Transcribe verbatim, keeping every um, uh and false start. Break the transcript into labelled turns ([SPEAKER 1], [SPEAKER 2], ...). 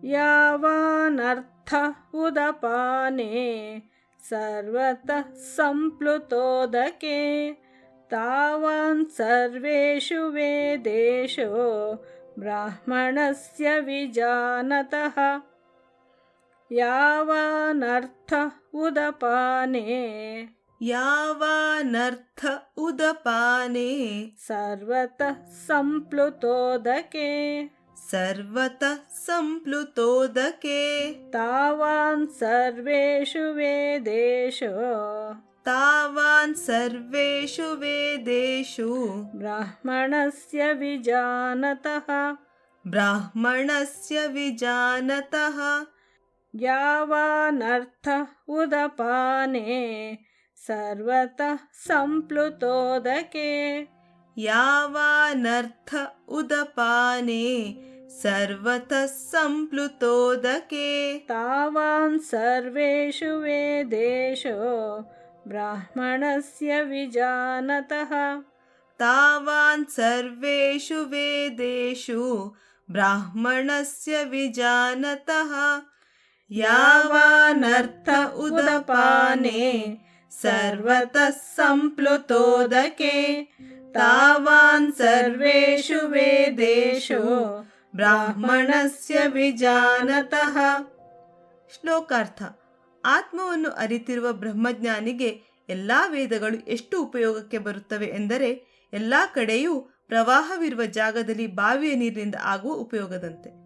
[SPEAKER 1] यावानर्थ उदपाने सर्वतः सम्प्लुतोदके तावान् सर्वेषु वेदेषु ब्राह्मणस्य विजानतः। यावानर्थ उदपाने
[SPEAKER 2] यावानर्थ उदपाने
[SPEAKER 1] सर्वतः सम्प्लुतोदके
[SPEAKER 2] सर्वतः सम्प्लुतोदके
[SPEAKER 1] तावान् सर्वेषु वेदेषु
[SPEAKER 2] तावान् सर्वेषु वेदेषु
[SPEAKER 1] ब्राह्मणस्य विजानतः
[SPEAKER 2] ब्राह्मणस्य विजानतः।
[SPEAKER 1] यावानर्थ उदपाने सर्वतः सम्प्लुतोदके
[SPEAKER 2] यावानर्थ उदपाने सर्वतः सम्प्लुतोदके
[SPEAKER 1] तावान् सर्वेषु वेदेषु ब्राह्मणस्य विजानतः
[SPEAKER 2] तावान् सर्वेषु वेदेषु ब्राह्मणस्य विजानतः। यावानर्थ उदपाने सर्वतः सम्प्लुतोदके तावान् सर्वेषु वेदेषु ಬ್ರಾಹ್ಮಣಸ್ಯ ವಿಜಾನತಃ. ಶ್ಲೋಕಾರ್ಥ. ಆತ್ಮವನ್ನು ಅರಿತಿರುವ ಬ್ರಹ್ಮಜ್ಞಾನಿಗೆ ಎಲ್ಲ ವೇದಗಳು ಎಷ್ಟು ಉಪಯೋಗಕ್ಕೆ ಬರುತ್ತವೆ ಎಂದರೆ ಎಲ್ಲ ಕಡೆಯೂ ಪ್ರವಾಹವಿರುವ ಜಾಗದಲ್ಲಿ ಬಾವಿಯ ನೀರಿನಿಂದ ಆಗುವ ಉಪಯೋಗದಂತೆ.